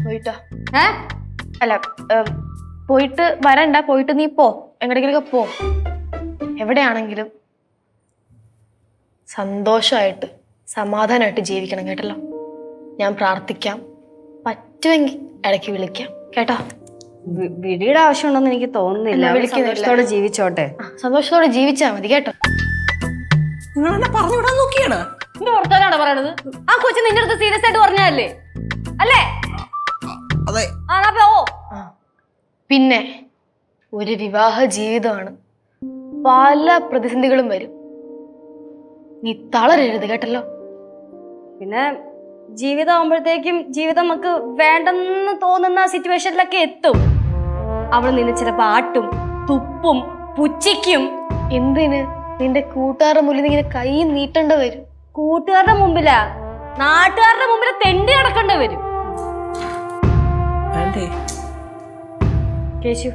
പോയിട്ടോ അല്ല പോയിട്ട് വരണ്ട, പോയിട്ട് നീ പോ, എങ്ങടെങ്കിലൊക്കെ പോ. എവിടെയാണെങ്കിലും സന്തോഷമായിട്ട് സമാധാനമായിട്ട് ജീവിക്കണം കേട്ടല്ലോ. ഞാൻ പ്രാർത്ഥിക്കാം, പറ്റുമെങ്കിൽ ഇടയ്ക്ക് വിളിക്കാം കേട്ടോ. വിളിയുടെ ആവശ്യമുണ്ടെന്ന് എനിക്ക് തോന്നുന്നില്ല. സന്തോഷത്തോടെ ജീവിച്ചോട്ടെ. സന്തോഷത്തോടെ ജീവിച്ചാ മതി കേട്ടോ. നിങ്ങൾ എന്നെ പറഞ്ഞുവിടാൻ നോക്കിയാണ്. എന്ത് വർത്താനാണ് പറയണത്? ആ കൊച്ചു നിന്റെ അടുത്ത് സീരിയസ് ആയിട്ട് പറഞ്ഞല്ലേ? അല്ലേ? അതെ. പിന്നെ ഒരു വിവാഹ ജീവിതമാണ്, പല പ്രതിസന്ധികളും വരും. നീ തളരരുത് കേട്ടല്ലോ. പിന്നെ ജീവിതം ആവുമ്പോഴത്തേക്കും ജീവിതം നമുക്ക് വേണ്ടെന്ന് തോന്നുന്ന സിറ്റുവേഷനിലൊക്കെ എത്തും. അവള് നിന്നെ ചിലപ്പോ ആട്ടും, തുപ്പും, പുച്ഛിക്കും. എന്തിന്? നിന്റെ കൂട്ടുകാരുടെ മുന്നിൽ ഇങ്ങനെ കൈ നീട്ടേണ്ട വരും. കൂട്ടുകാരുടെ മുമ്പിലാ, നാട്ടുകാരുടെ മുമ്പിൽ തെണ്ടി നടക്കേണ്ടി വരും. കേശു,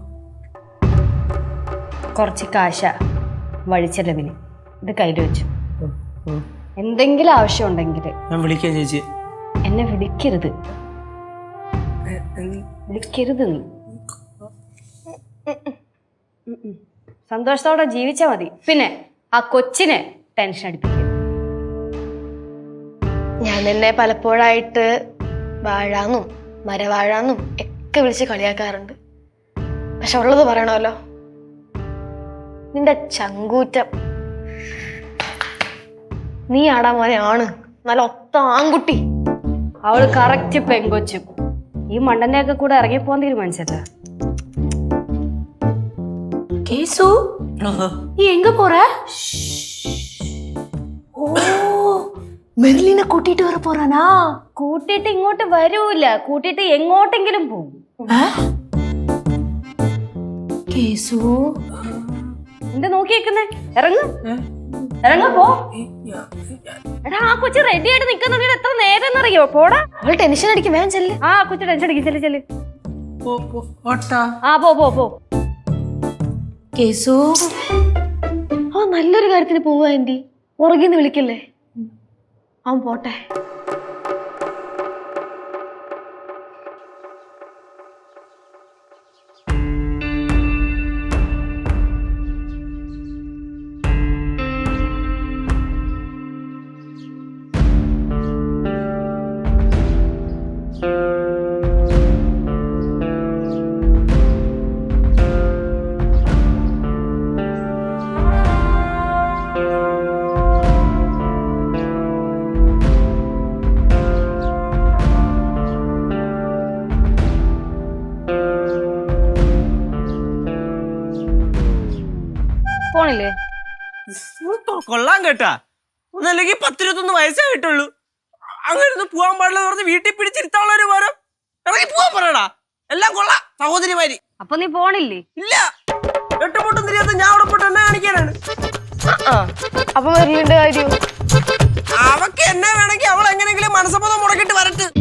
കുറച്ച് കാശ വഴിച്ചെലവിന് ഇത് കയ്യിൽ വെച്ചു. എന്തെങ്കിലും ആവശ്യം ഉണ്ടെങ്കിൽ ഞാൻ വിളിക്കാം ചേച്ചി. എന്നെ വിളിക്കരുത്, വിളിക്കരുത്. നീ സന്തോഷത്തോടെ ജീവിച്ചാ മതി. പിന്നെ ആ കൊച്ചിനെ ടെൻഷൻ അടിപ്പിക്കും. ഞാൻ നിന്നെ പലപ്പോഴായിട്ട് വാഴാന്നും മരവാഴാന്നും ഒക്കെ വിളിച്ച് കളിയാക്കാറുണ്ട്. പക്ഷെ ഉള്ളത് പറയണമല്ലോ, നിന്റെ ചങ്കൂറ്റം നീ ആടാ മോനെ ആണ്, നല്ല ഒത്ത ആൺകുട്ടി. അവള് കറക്റ്റ് പെങ്കൊച്ചും. ഈ മണ്ടന്റെ ഒക്കെ കൂടെ ഇറങ്ങിപ്പോവാൻ തീരുമാനിച്ചല്ല. கேசு நீ எங்க போற? ஓ மெர்லிനെ കൂട്ടിട്ട് വര പോറാനാ? കൂട്ടിട്ട് ഇങ്ങോട്ട് വരൂല, കൂട്ടിട്ട് എങ്ങോട്ടെങ്കിലും പോകും. കേസു എന്താ നോക്കിയേക്കുന്നേ? ഇറങ്ങ്, ഇറങ്ങ പോ. എടാ ആ കൊച്ചു റെഡി ആയിട്ട് നിൽക്കുന്ന എത്ര നേരം എന്നറിയോ? പോടാ. അവൾ ടെൻഷൻ അടിക്കും, വേഗം ചെല്ല്. ആ കൊച്ചു ടെൻഷൻ അടിക്കും. ചെല്ല് ചെല്ല്. ആ പോ പോ പോ. കേസു ആ നല്ലൊരു കാര്യത്തിന് പോവാ ആന്റി, ഉറങ്ങിന്ന് വിളിക്കല്ലേ. അവൻ പോട്ടെ. പോണില്ലേ? കൊള്ളാൻ കേട്ടാ. ഒന്നല്ലെങ്കിൽ 10-21 വയസ്സായിട്ടുള്ളൂ. അങ്ങനെ പോവാൻ പാടില്ലെന്ന് പറഞ്ഞ് വീട്ടിൽ പിടിച്ചിരുത്താനുള്ളൊരു പോരം ഇറങ്ങി പോവാൻ പറയടാ. എല്ലാം കൊള്ളാം സഹോദരിമാരി. അപ്പൊ നീ പോണില്ലേ? ഇല്ല, എട്ടുപൊട്ടും തിരിയാത്ത ഞാൻ അവിടെ പോയിട്ട് എന്നെ കാണിക്കാനാണ്. അപ്പൊ മെർലിന്റെ കാര്യം അവക്ക് എന്നെ വേണമെങ്കിൽ അവൾ എങ്ങനെങ്കിലും മനസ്സമ്മതം മുടക്കിട്ട് വരട്ടെ.